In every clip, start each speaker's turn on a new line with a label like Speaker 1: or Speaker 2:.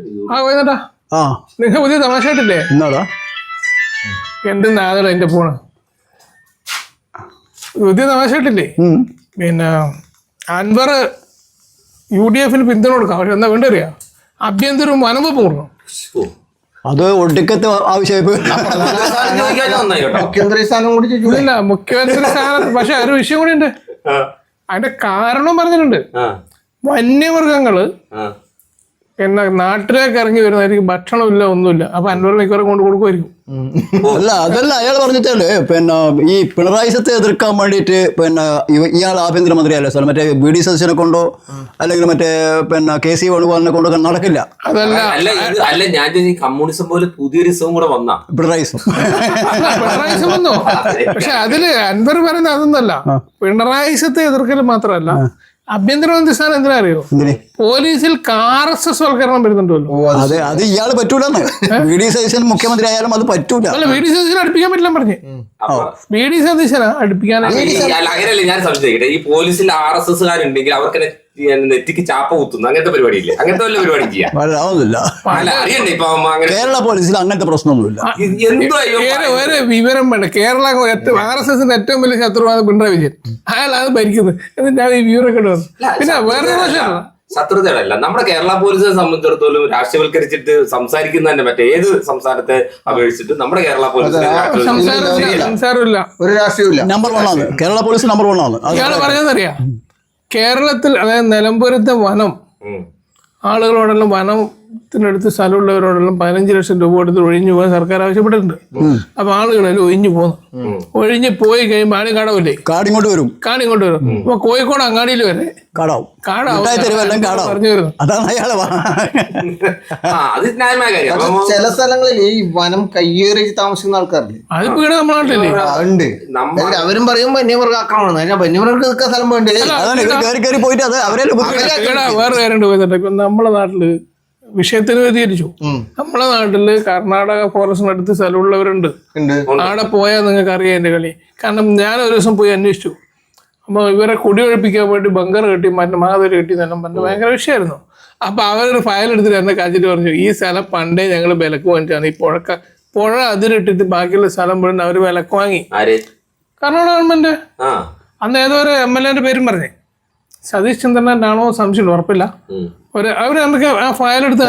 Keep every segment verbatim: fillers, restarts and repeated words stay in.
Speaker 1: ആ പോയതാ. ആ നിങ്ങൾ പുതിയ തമാശ കേട്ടില്ലേ?
Speaker 2: എന്നാടാ
Speaker 1: എന്റെ നാദട എന്റെ ഫോണ് പുതിയ തമാശ കേട്ടില്ലേ? പിന്നെ അൻവർ യു ഡി എഫിന് പിന്തുണ കൊടുക്കാം. പക്ഷെ എന്താ വേണ്ടറിയാ, ആഭ്യന്തരവും വനവും പൂർണ്ണം.
Speaker 2: അത് ഒടുക്കത്തെ ആവശ്യമായി
Speaker 3: മുഖ്യമന്ത്രി സ്ഥാനം കൂടി
Speaker 1: ഇല്ല, മുഖ്യമന്ത്രി സ്ഥാനം. പക്ഷെ ഒരു വിഷയം കൂടി ഉണ്ട്. അതിന്റെ കാരണം പറഞ്ഞിട്ടുണ്ട്. വന്യമൃഗങ്ങള് എന്നാ നാട്ടിലേക്ക് ഇറങ്ങി വരുന്നതായിരിക്കും, ഭക്ഷണമില്ല ഒന്നുമില്ല. അപ്പൊ അൻവർ മിക്കവാറും കൊണ്ട് കൊടുക്കുമായിരിക്കും.
Speaker 2: അല്ല അതല്ല അയാൾ പറഞ്ഞിട്ടല്ലേ പിന്നെ ഈ പിണറായി സത്തെ എതിർക്കാൻ വേണ്ടിയിട്ട് പിന്നെ ഇയാൾ ആഭ്യന്തരമന്ത്രിയല്ലേ സാർ, മറ്റേ ബി ഡി സതീശനെ കൊണ്ടോ അല്ലെങ്കിൽ മറ്റേ പിന്നെ കെ സി വേണുഗോപാലിനെ കൊണ്ടോ നടക്കില്ല.
Speaker 1: അതല്ല
Speaker 4: അല്ല ഞാൻ കമ്മ്യൂണിസം പോലെ പുതിയൊരു ഇസവും കൂടെ വന്നാ
Speaker 2: പിണറായിസം
Speaker 1: പിണറായിസം വന്നു. പക്ഷെ അതില് അൻവർ പറയുന്നത് അതൊന്നല്ല. പിണറായിസത്തെ എതിർക്കൽ മാത്രമല്ല, ആഭ്യന്തരമന്ത്രി സ്ഥാനം എന്തിനാ അറിയോ? പോലീസിൽ ആർ എസ് എസ് വൽക്കരണം വരുന്നുണ്ടല്ലോ.
Speaker 2: അതെ, അത് ഇയാള് പറ്റൂലെന്ന്. വി ഡി സതീശൻ മുഖ്യമന്ത്രി ആയാലും അത് പറ്റൂല.
Speaker 1: അല്ല, വി ഡി സതീശനെ അടുപ്പിക്കാൻ പറ്റില്ല പറഞ്ഞേ. വി ഡി സതീശനെ അടുപ്പിക്കാൻ
Speaker 4: അങ്ങനെയല്ലേ ഞാൻ സംശയിക്കട്ടെ. ഈ പോലീസിൽ ആർ എസ് എസ്കാരുണ്ടെങ്കിൽ അവർക്ക് നെറ്റിക്ക് ചാപ്പ കുത്തുന്നു, അങ്ങനത്തെ പരിപാടി ഇല്ലേ? അങ്ങനത്തെ വല്ല പരിപാടി ചെയ്യാം. അറിയണ്ടേ ഇപ്പൊ
Speaker 2: കേരള പോലീസിൽ അങ്ങനത്തെ പ്രശ്നമൊന്നുമില്ല.
Speaker 1: ഒരു വിവരം വേണ്ട. കേരള ആർ എസ് എസിന്റെ ഏറ്റവും വലിയ ശത്രുവാണ് പിണറായി വിജയൻ. അയാൾ അത് ഭരിക്കുന്നത്. എന്നിട്ടാണ് ഈ വിവരമൊക്കെ ഇടുന്നത്. പിന്നെ വേറെ പ്രശ്നമാണ്
Speaker 4: ശത്രുതയല്ല. നമ്മുടെ കേരള പോലീസിനെ സംബന്ധിച്ചിടത്തോളം രാഷ്ട്രീയവൽക്കരിച്ചിട്ട് സംസാരിക്കുന്ന തന്നെ മറ്റേ ഏത് സംസ്ഥാനത്തെ അപേക്ഷിച്ചിട്ട് നമ്മുടെ കേരള പോലീസിനെ
Speaker 1: സംസാരമില്ല,
Speaker 3: ഒരു രാഷ്ട്രീയമില്ല.
Speaker 2: നമ്പർ വൺ ആണ് കേരള പോലീസ്. നമ്പർ വൺ ആണ്.
Speaker 1: ഇയാൾ പറഞ്ഞതറിയാം, കേരളത്തിൽ അതായത് നിലമ്പൂരത്തെ വനം ആളുകളോടെല്ലാം വനത്തിനടുത്ത് സ്ഥലമുള്ളവരോടെല്ലാം പതിനഞ്ച് ലക്ഷം രൂപ കൊടുത്ത് ഒഴിഞ്ഞു പോകാൻ സർക്കാർ ആവശ്യപ്പെട്ടിട്ടുണ്ട്. അപ്പൊ ആളുകളെല്ലാം ഒഴിഞ്ഞു പോന്നു. ഒഴിഞ്ഞു പോയി കഴിയുമ്പോൾ ആരും കാടാവില്ലേ?
Speaker 2: കാടിങ്ങോട്ട് വരും.
Speaker 1: കാടിങ്ങോട്ട് വരും. അപ്പൊ കോഴിക്കോട് അങ്ങാടിയിൽ വരെ
Speaker 2: കാടാവും.
Speaker 1: കാടാവും
Speaker 2: പറഞ്ഞു വരുന്നു. അതാണ് അയാളെ.
Speaker 3: ചില സ്ഥലങ്ങളിൽ ഈ വനം കയ്യേറി താമസിക്കുന്ന ആൾക്കാരില്ലേ,
Speaker 1: അതിപ്പോ ഇവിടെ നമ്മുടെ നാട്ടിലേ
Speaker 3: ഉണ്ട്. അവരും പറയും വന്യമൃഗ ആക്രമണം. വന്യമൃഗം നിൽക്കാൻ സ്ഥലം വേണ്ടി
Speaker 2: പോയിട്ട് അത് അവരെ
Speaker 1: വേറെ കാര്യമുണ്ട്. പോയിട്ട് ഇപ്പൊ നമ്മളെ നാട്ടില് വിഷയത്തിന് വ്യതിചരിച്ചു. നമ്മളെ നാട്ടില് കർണാടക ഫോറസ്റ്റിനടുത്ത് സ്ഥലമുള്ളവരുണ്ട്. അവിടെ പോയാൽ നിങ്ങൾക്ക് അറിയാം എന്റെ കളി. കാരണം ഞാൻ ഒരു ദിവസം പോയി അന്വേഷിച്ചു. അപ്പോൾ ഇവരെ കുടിയൊഴിപ്പിക്കാൻ വേണ്ടി ബങ്കർ കെട്ടി മറ്റേ മാതരി കെട്ടി എന്നെല്ലാം പറഞ്ഞ് ഭയങ്കര വിഷയമായിരുന്നു. അപ്പൊ അവരൊരു ഫയൽ എടുത്തിട്ട് എന്നെ കാച്ചിട്ട് പറഞ്ഞു, ഈ സ്ഥലം പണ്ടേ ഞങ്ങൾ വിലക്ക് വാങ്ങിച്ചാണ്. ഈ പുഴക്ക പുഴ അതിരിട്ടിട്ട് ബാക്കിയുള്ള സ്ഥലം മുഴുവൻ അവർ വിലക്ക് വാങ്ങി. കർണാടക ഗവൺമെന്റ് അന്ന് ഏതോ ഒരു എം എൽ എന്റെ പേരും പറഞ്ഞേ, സതീഷ് ചന്ദ്രനാണോ സംശയം ഉറപ്പില്ല. ഒരു അവര് എന്തൊക്കെ ആ ഫയൽ എടുത്ത്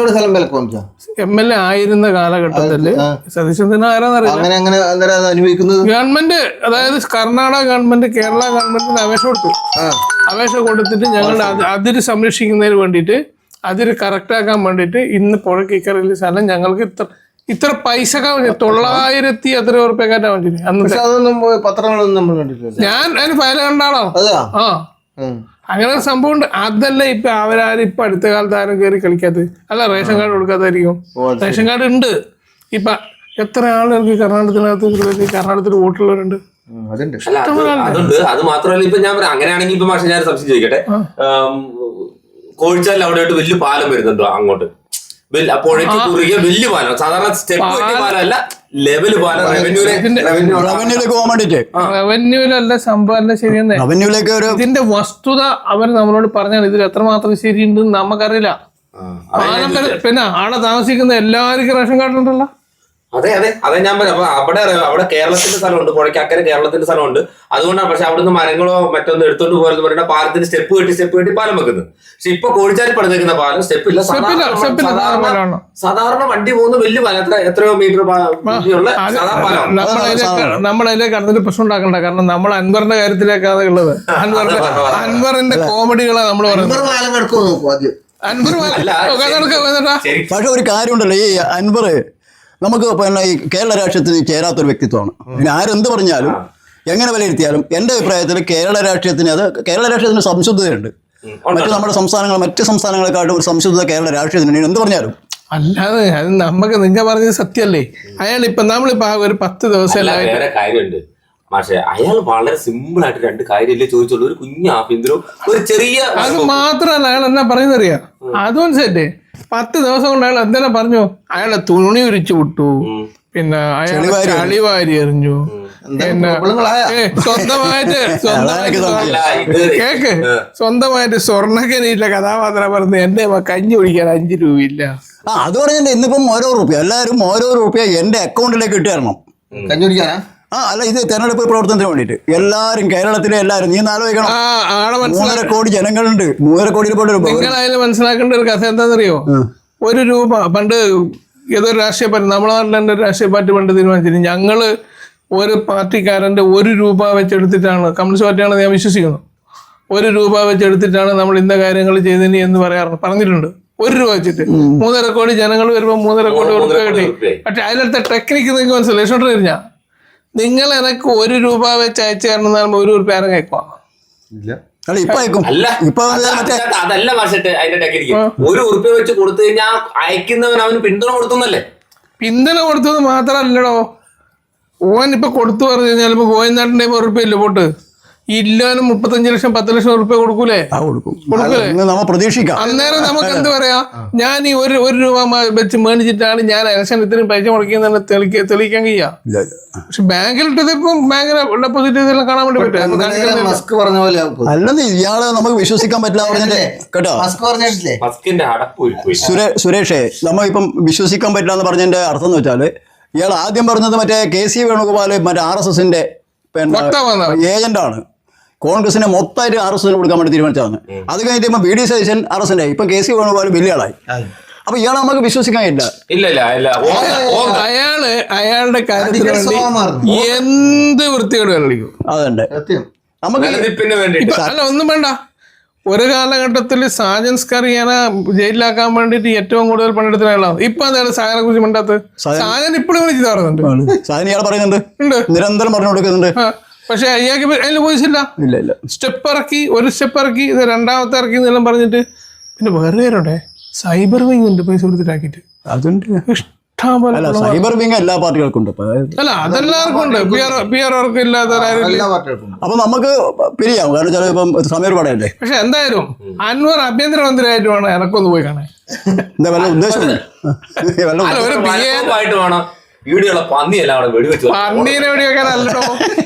Speaker 1: എം എൽ എ ആയിരുന്ന കാലഘട്ടത്തില് സതീഷ് ചന്ദ്രൻ ആരാന്നറിയാം. ഗവൺമെന്റ് അതായത് കർണാടക ഗവൺമെന്റ് കേരള ഗവൺമെന്റിന് അപേക്ഷ കൊടുത്തു. അപേക്ഷ കൊടുത്തിട്ട് ഞങ്ങളുടെ അതിര് സംരക്ഷിക്കുന്നതിന് വേണ്ടിയിട്ട് അതിര് കറക്റ്റ് ആക്കാൻ വേണ്ടിയിട്ട് ഇന്ന് പുഴയ്ക്ക് ഇക്കറിയിലെ സ്ഥലം ഞങ്ങൾക്ക് ഇത്ര ഇത്ര പൈസ തൊള്ളായിരത്തി എത്ര ഉറുപ്പ്യക്കാറ്റാ വേണ്ടി അന്ന്
Speaker 3: പത്രങ്ങളൊന്നും നമ്മൾ കണ്ടിട്ടില്ല.
Speaker 1: ഞാൻ അതിന് ഫയൽ കണ്ടാണോ? ആ അങ്ങനെ ഒരു സംഭവം ഉണ്ട്. അതല്ല ഇപ്പൊ അവരാരും ഇപ്പൊ അടുത്ത കാലത്ത് ആരും കയറി കളിക്കാത്തത്. അല്ല റേഷൻ കാർഡ് കൊടുക്കാത്തായിരിക്കും. റേഷൻ കാർഡ് ഉണ്ട്. ഇപ്പൊ എത്ര ആളുകൾക്ക് കർണാടകത്തിനകത്ത് കർണാടകത്തിൽ വോട്ടുള്ളവരുണ്ട്.
Speaker 4: അതുണ്ട്. അത് മാത്രമല്ല ഇപ്പൊ ഞാൻ പറയാം, അങ്ങനെയാണെങ്കിൽ ഇപ്പൊ മാഷെ ഞാൻ സംശയം ചോദിക്കട്ടെ, കോഴിച്ചാലിൽ അവിടെ വലിയ പാലം വരുന്നുണ്ടോ അങ്ങോട്ട്? പുഴയ്ക്ക് കുറുകിയ വലിയ പാലം, സാധാരണ സ്റ്റെപ്പ് പാലമല്ല, ലെവല് പാലം.
Speaker 2: റവന്യൂലേക്ക് പോകാൻ വേണ്ടിട്ട്
Speaker 1: റവന്യൂലല്ല സംഭവം ശരിയെന്ന്.
Speaker 2: റവന്യൂലേക്ക്
Speaker 1: ഇതിന്റെ വസ്തുത അവർ നമ്മളോട് പറഞ്ഞാൽ ഇതിൽ എത്രമാത്രം ശരിയുണ്ട് നമുക്കറിയില്ല. പാലം പിന്നെ ആടെ താമസിക്കുന്ന എല്ലാവർക്കും റേഷൻ കാർഡ് ഉണ്ടല്ലോ.
Speaker 4: അതെ അതെ അതെ ഞാൻ പറയാം. അപ്പൊ അവിടെ അവിടെ കേരളത്തിന്റെ സ്ഥലമുണ്ട്, പുഴയ്ക്ക് അക്കരെ കേരളത്തിന്റെ സ്ഥലമുണ്ട്. അതുകൊണ്ടാണ്. പക്ഷെ അവിടുന്ന് മരങ്ങളോ മറ്റൊന്നും എടുത്തോണ്ട് പോകാന്ന് പറയുന്ന പാലത്തിന് സ്റ്റെപ്പ് കെട്ടി സ്റ്റെപ്പ് കെട്ടി പാലം വെക്കുന്നത്. പക്ഷെ ഇപ്പൊ കോഴിച്ചാലി പണിതേക്കുന്ന പാലം സ്റ്റെപ്പ് ഇല്ല. സാധാരണ വണ്ടി പോകുന്ന വലിയ പാലം, എത്ര എത്രയോ മീറ്റർ ഉള്ള
Speaker 1: നമ്മളതിലേക്ക് അടുത്തൊരു പ്രശ്നം ഉണ്ടാക്കണ്ട. കാരണം നമ്മൾ അൻവറിന്റെ കാര്യത്തിലേക്കാണ് ഉള്ളത്. അൻവറിന്റെ അൻവറിന്റെ കോമഡികളാണ് നമ്മൾ പറയുന്നത്. അൻവർ
Speaker 2: പക്ഷെ ഒരു കാര്യമുണ്ടല്ലോ, ഈ അൻവർ നമുക്ക് പിന്നെ ഈ കേരള രാഷ്ട്രീയത്തിന് ചേരാത്തൊരു വ്യക്തിത്വമാണ്. പിന്നെ ആരെന്ത് പറഞ്ഞാലും എങ്ങനെ വിലയിരുത്തിയാലും എൻ്റെ അഭിപ്രായത്തിൽ കേരള രാഷ്ട്രീയത്തിന് അത് കേരള രാഷ്ട്രീയത്തിന് സംശുദ്ധതയുണ്ട്. മറ്റു നമ്മുടെ സംസ്ഥാനങ്ങൾ മറ്റ് സംസ്ഥാനങ്ങളെക്കാട്ടും ഒരു സംശുദ്ധത കേരള രാഷ്ട്രീയത്തിന് എന്ത് പറഞ്ഞാലും.
Speaker 1: അല്ലാതെ അത് നമുക്ക് നിങ്ങൾ പറഞ്ഞത് സത്യമല്ലേ. അയാൾ ഇപ്പൊ നമ്മളിപ്പോ ആ ഒരു പത്ത് ദിവസം
Speaker 4: കാര്യമുണ്ട്. പക്ഷേ അയാൾ വളരെ സിമ്പിൾ ആയിട്ട് രണ്ട് കാര്യമല്ലേ ചോദിച്ചുള്ളൂ. ഒരു കുഞ്ഞു ആഭ്യന്തരവും ഒരു ചെറിയ
Speaker 1: അത് മാത്രമല്ല. അയാൾ എന്നാ പറയുന്നറിയാം, അതും സെറ്റ് പത്ത് ദിവസം കൊണ്ട് അയാൾ എന്തെല്ലാം പറഞ്ഞു. അയാളെ തുണി ഉരിച്ചു വിട്ടു, പിന്നെ അയാൾ ചളിവാരി എറിഞ്ഞു, ഏ, സ്വന്തമായിട്ട് സ്വന്തമായിട്ട്
Speaker 4: അല്ല ഇത്
Speaker 1: കേക്ക് സ്വന്തമായിട്ട് സ്വർണ്ണക്കനിയില്ല കഥാപാത്രം പറഞ്ഞ് എന്റെ കഞ്ഞി കുടിക്കാൻ അഞ്ചു രൂപയില്ല.
Speaker 2: ആ അത് പറഞ്ഞിട്ട് ഇന്നിപ്പം ഓരോ റുപ്യ എല്ലാവരും ഓരോ റുപ്യ എന്റെ അക്കൗണ്ടിലേക്ക് ഇട്ട് തരണം.
Speaker 3: കഞ്ഞി കുടിക്കാനാ?
Speaker 2: ആ അല്ല ഇത് തെരഞ്ഞെടുപ്പ് പ്രവർത്തനത്തിന് വേണ്ടിയിട്ട് എല്ലാവരും കേരളത്തിലെ എല്ലാവരും നീ ആലോചിക്കണം.
Speaker 1: ആ ആളെ മനസ്സിലാക്കി
Speaker 2: മൂന്നര കോടി ജനങ്ങളുണ്ട്. മൂന്നര കോടിയിൽ പോലും
Speaker 1: നിങ്ങളതിൽ മനസ്സിലാക്കേണ്ട ഒരു കഥ എന്താണെന്നറിയോ? ഒരു രൂപ പണ്ട് ഏതൊരു രാഷ്ട്രീയ പാർട്ടി നമ്മളെ നാട്ടിൽ തന്നെ ഒരു രാഷ്ട്രീയ പാർട്ടി പണ്ട് തീരുമാനിച്ചിരുന്നു, ഞങ്ങള് ഒരു പാർട്ടിക്കാരന്റെ ഒരു രൂപ വെച്ചെടുത്തിട്ടാണ്, കമ്മ്യൂണിസ്റ്റ് പാർട്ടിയാണെന്ന് ഞാൻ വിശ്വസിക്കുന്നു, ഒരു രൂപ വെച്ചെടുത്തിട്ടാണ് നമ്മൾ ഇന്ന കാര്യങ്ങൾ ചെയ്തതിന് എന്ന് പറയാറുണ്ട്, പറഞ്ഞിട്ടുണ്ട്. ഒരു രൂപ വെച്ചിട്ട് മൂന്നര കോടി ജനങ്ങൾ വരുമ്പോൾ മൂന്നര കോടി കൊടുക്കുക കിട്ടി. പക്ഷെ അതിലത്തെ ടെക്നിക്ക് നിങ്ങൾക്ക് മനസ്സിലായി ഇഷ്ടോണ്ടിരുന്ന നിങ്ങൾ എനക്ക് ഒരു രൂപ വെച്ച് അയച്ചു തരണം ഒരു രൂപ ആരും കേൾക്കുക
Speaker 2: അല്ല ഇപ്പൊ അയക്കും.
Speaker 4: അല്ല
Speaker 2: ഇപ്പൊ മറ്റേ
Speaker 4: അതല്ല മാഷട്ടെ അതിന്റെ ടെക്നിക്ക്. ഒരു ഉറുപ്പ്യ വെച്ച് കൊടുത്തു കഴിഞ്ഞാൽ അയക്കുന്നവൻ അവന് പിന്തുണ കൊടുത്തുന്നല്ലേ.
Speaker 1: പിന്തുണ കൊടുത്തത് മാത്രല്ലടോ, ഓൻ ഇപ്പൊ കൊടുത്തു പറഞ്ഞു കഴിഞ്ഞാൽ ഇപ്പൊ ഗോവിന്ദാട്ടിന്റെ ഉറുപ്പ്യ ഇല്ല പോട്ട് ഇല്ലാനും മുപ്പത്തഞ്ച് ലക്ഷം പത്ത് ലക്ഷം ഉറുപ്പ്യ കൊടുക്കൂലേ? കൊടുക്കൂലേ?
Speaker 2: നമ്മ പ്രതീക്ഷിക്കാം.
Speaker 1: അന്നേരം നമുക്ക് എന്ത് പറയാ, ഞാൻ ഈ ഒരു ഒരു രൂപ വെച്ച് മേടിച്ചിട്ടാണ് ഞാൻ ഇലക്ഷൻ ഇത്രയും പൈസ മുടക്കിയെന്ന് തെളിയിക്കാൻ തെളിയിക്കാൻ കഴിയാ. പക്ഷെ ബാങ്കിലിട്ടത് ഇപ്പം ബാങ്കിലെ ഡെപ്പോസിറ്റ് ഇതെല്ലാം കാണാൻ വേണ്ടി പറ്റും.
Speaker 3: മസ്ക് പറഞ്ഞ പോലെ
Speaker 2: അല്ലെന്ന് ഇയാളെ നമുക്ക് വിശ്വസിക്കാൻ പറ്റില്ല പറഞ്ഞില്ലേ കേട്ടോ.
Speaker 3: മസ്ക് പറഞ്ഞിട്ടില്ലേ
Speaker 4: മസ്കിന്റെ അടപ്പ്
Speaker 2: സുരേ സുരേഷേ നമ്മ ഇപ്പം വിശ്വസിക്കാൻ പറ്റില്ല എന്ന് പറഞ്ഞതിന്റെ അർത്ഥം എന്ന് വെച്ചാല് ഇയാൾ ആദ്യം പറഞ്ഞത് മറ്റേ കെ സി വേണുഗോപാൽ മറ്റേ ആർ എസ് എസിന്റെ പിന്നെ ഏജന്റാണ്. കോൺഗ്രസിനെ മൊത്തമായിട്ട് ആർ എസ് എസിന് കൊടുക്കാൻ വേണ്ടി തീരുമാനിച്ചതാണ്. അത് കഴിഞ്ഞിട്ട് ഇപ്പൊ B D Satheesan R S എന്റെ ഇപ്പൊ കെ സി വേണുഗോപാൽ വലിയ ആളായി. അപ്പൊ ഇയാളെ നമുക്ക് വിശ്വസിക്കാൻ ഇല്ല.
Speaker 4: ഇല്ല ഇല്ല ഇല്ല
Speaker 1: അയാള് അയാളുടെ കാര്യത്തിന് വേണ്ടി എന്ത് വൃത്തിയോട് കളിക്കും.
Speaker 2: അതുണ്ട് നമുക്ക്
Speaker 1: അല്ല ഒന്നും വേണ്ട. ഒരു കാലഘട്ടത്തിൽ സാജൻ സ്കറിയാനെ ജയിലിലാക്കാൻ വേണ്ടിട്ട് ഏറ്റവും കൂടുതൽ പണ്ടെടുത്ത ആളാണ്. ഇപ്പൊ എന്താണ് സാജനെ കുറിച്ച് മിണ്ടാത്തത്? സാജൻ ഇപ്പോഴും വിളിച്ച് പറയുന്നുണ്ട്,
Speaker 2: സാജൻ ഇയാൾ പറയുന്നുണ്ട്, നിരന്തരം പറഞ്ഞു കൊടുക്കുന്നുണ്ട്.
Speaker 1: പക്ഷെ അയാൾക്ക് അതിൽ പോയിച്ചില്ല.
Speaker 2: ഇല്ല ഇല്ല
Speaker 1: സ്റ്റെപ്പ് ഇറക്കി, ഒരു സ്റ്റെപ്പ് ഇറക്കി, ഇത് രണ്ടാമത്തെ ഇറക്കി എന്നെല്ലാം പറഞ്ഞിട്ട് പിന്നെ വേറെ പേരുണ്ടേ സൈബർ വിങ് ഉണ്ട് പൈസ കൊടുത്തിട്ടാക്കിട്ട്.
Speaker 2: അതുണ്ട്
Speaker 1: ഇഷ്ടം പോലെ.
Speaker 2: അല്ല സൈബർ വിങ് എല്ലാ പാർട്ടികൾക്കും ഉണ്ട്.
Speaker 1: അല്ല അതെല്ലാവർക്കും ഉണ്ട്, പി ആർ അവർക്ക് ഇല്ലാത്തവരാരും.
Speaker 2: അപ്പൊ നമുക്ക് പിരിയാവും, കാരണം ചില ഇപ്പം സമയം പാടല്ലേ.
Speaker 1: പക്ഷെ എന്തായാലും അൻവർ ആഭ്യന്തരമന്ത്രിയായിട്ടുമാണ് എനക്കൊന്ന് പോയി കാണാൻ.
Speaker 2: എന്താ വല്ല ഉദ്ദേശം
Speaker 4: ആയിട്ട് വേണം വീഡിയോളെ പന്നിയല്ല അവിടെ വെടിവെച്ചു.
Speaker 1: പന്നീനെ വെടിവെക്കാനല്ലോ,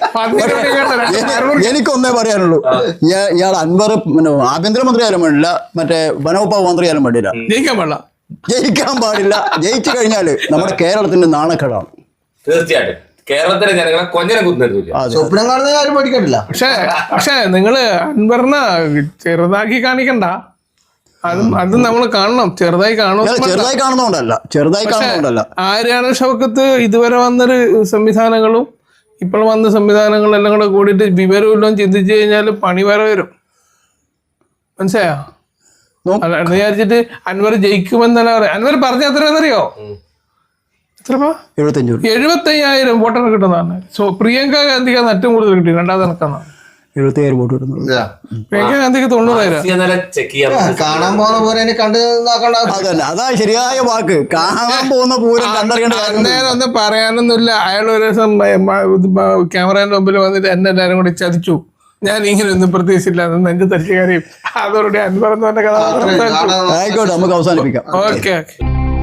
Speaker 2: എനിക്കൊന്നേ പറയാനുള്ളൂ, ഇയാൾ അൻവർ ആഭ്യന്തരമന്ത്രി ആയാലും വേണ്ടില്ല, മറ്റേ വനവകുപ്പ് മന്ത്രി ആയാലും വേണ്ടില്ല,
Speaker 1: ജയിക്കാൻ പാടില്ല.
Speaker 2: ജയിക്കാൻ പാടില്ല. ജയിച്ചു കഴിഞ്ഞാല് നമ്മുടെ കേരളത്തിന്റെ നാണക്കേടാണ്.
Speaker 4: തീർച്ചയായിട്ടും കേരളത്തിലെ ജനങ്ങളെ കൊഞ്ഞനെ കുത്തുന്നില്ല.
Speaker 3: സ്വപ്നം കാണുന്ന കാര്യം പഠിക്കണ്ടില്ല.
Speaker 1: പക്ഷേ പക്ഷേ നിങ്ങള് അൻവറിനെ ചെറുതാക്കി കാണിക്കണ്ട. അതും അതും നമ്മൾ കാണണം, ചെറുതായി കാണും.
Speaker 2: ചെറുതായി കാണുന്നോണ്ടല്ല ചെറുതായി കാണുന്നോണ്ടല്ല
Speaker 1: ആര്യാണ് ഷൗക്കത്ത് ഇതുവരെ വന്നൊരു സംവിധാനങ്ങളും ഇപ്പോൾ വന്ന സംവിധാനങ്ങളും എല്ലാം കൂടെ കൂടിയിട്ട് വിവരമില്ലും ചിന്തിച്ചു കഴിഞ്ഞാൽ പണി വേറെ വരും. മനസ്സിലായോ? അല്ല എന്ന് വിചാരിച്ചിട്ട് അൻവർ ജയിക്കുമെന്നല്ല പറയാം. അൻവർ പറഞ്ഞ എത്രയാണെന്നറിയോ? എത്രപ്പാ?
Speaker 2: എഴുപത്തഞ്ചു
Speaker 1: എഴുപത്തയ്യായിരം വോട്ടാണ് കിട്ടുന്നതാണ്. സോ പ്രിയങ്ക ഗാന്ധിക്കാണ് ഏറ്റവും കൂടുതൽ കിട്ടി, രണ്ടാമത് നടക്കുന്നതാണ്.
Speaker 2: എഴുപത്തിയായിരം വോട്ട് കിട്ടുന്നത്.
Speaker 1: പ്രിയങ്ക ഗാന്ധിക്ക് തൊണ്ണൂറായിരം.
Speaker 3: കാണാൻ പോകുന്ന പോലെ കണ്ടു നോക്കണ്ട.
Speaker 2: അതല്ല അതാ ശരിയായ വാക്ക്. കാണാൻ പോകുന്ന പൂരം കണ്ടറിയേണ്ട.
Speaker 1: അന്നേരം ഒന്നും പറയാനൊന്നുമില്ല. അയാൾ ഒരു ദിവസം ക്യാമറേന്റെ മുമ്പിൽ വന്നിട്ട് എന്നെ എല്ലാവരും കൂടി ചതിച്ചു, ഞാൻ ഇങ്ങനെ ഒന്നും പ്രതീക്ഷിച്ചില്ല, നെഞ്ച് തരിച്ചു കാര്യം. അതോടെ അൻവർ എന്ന് പറഞ്ഞ കഥ
Speaker 2: ആയിക്കോട്ടെ, നമുക്ക് അവസാനിപ്പിക്കാം.
Speaker 1: Okay okay.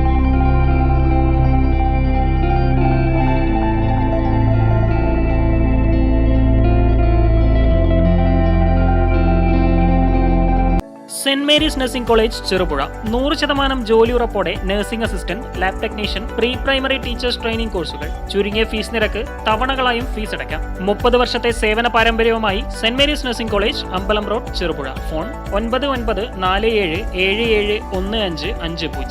Speaker 5: Saint Mary's nursing college Cherupuzha നൂറ് ശതമാനം ജോലി ഉറപ്പോടെ nursing assistant, lab technician, pre primary teachers training കോഴ്സുകൾ, ചുരുങ്ങിയ ഫീസ് നിരക്ക്, തവണകളായും ഫീസ് അടയ്ക്കാം. മുപ്പത് വർഷത്തെ സേവന പാരമ്പര്യവുമായി സെന്റ് മേരീസ് നഴ്സിംഗ് കോളേജ്, അമ്പലം റോഡ്, ചെറുപുഴ. ഫോൺ ഒൻപത് ഒൻപത് നാല് ഏഴ് ഏഴ് ഏഴ് ഒന്ന് അഞ്ച് അഞ്ച് പൂജ്യം.